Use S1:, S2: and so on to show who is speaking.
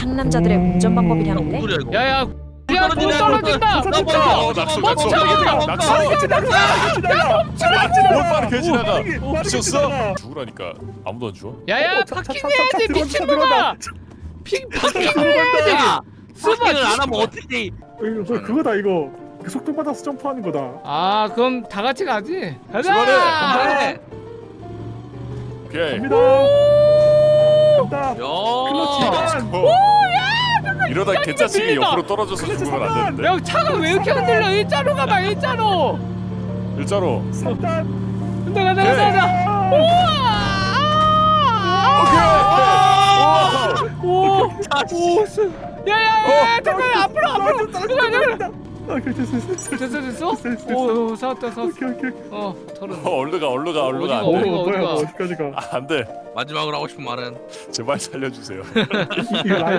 S1: 상남자들의 운전 방법이라는데.
S2: 소리야 이거?
S3: 야야 야 못 떨어진다.
S4: 낙서 개 지나가. 미쳤어? 죽으라니까 아무도 안 죽어?
S3: 야야 파킹해야지 미친놈아. 파킹해야지.
S2: 스마트를 안 하면 어떻게 돼?
S5: 이거 그거다 이거. 속도 받아서 점프하는 거다.
S3: 아 그럼 다 같이 가지.
S4: 출발해.
S3: 가자.
S2: 네.
S4: 오케이.
S5: 갑니다. 간다.
S2: 야.
S4: 이러다 개짜식이
S3: 밀린다.
S4: 옆으로 떨어져서 죽으면 안 되는데.
S3: 야 차가 왜 이렇게 흔들려? 일자로 가봐 일자로.
S4: 일자로.
S5: 3단.
S3: 간다. 오. 야야야 잠깐 앞으로. 잠깐. 됐어? 오 사왔다.
S5: 오케이.
S3: 털은.
S4: 얼른 가.
S3: 어디가?
S5: 어디까지 가?
S4: 안 돼.
S2: 마지막으로 하고 싶은 말은
S4: 제발 살려주세요.
S5: 이거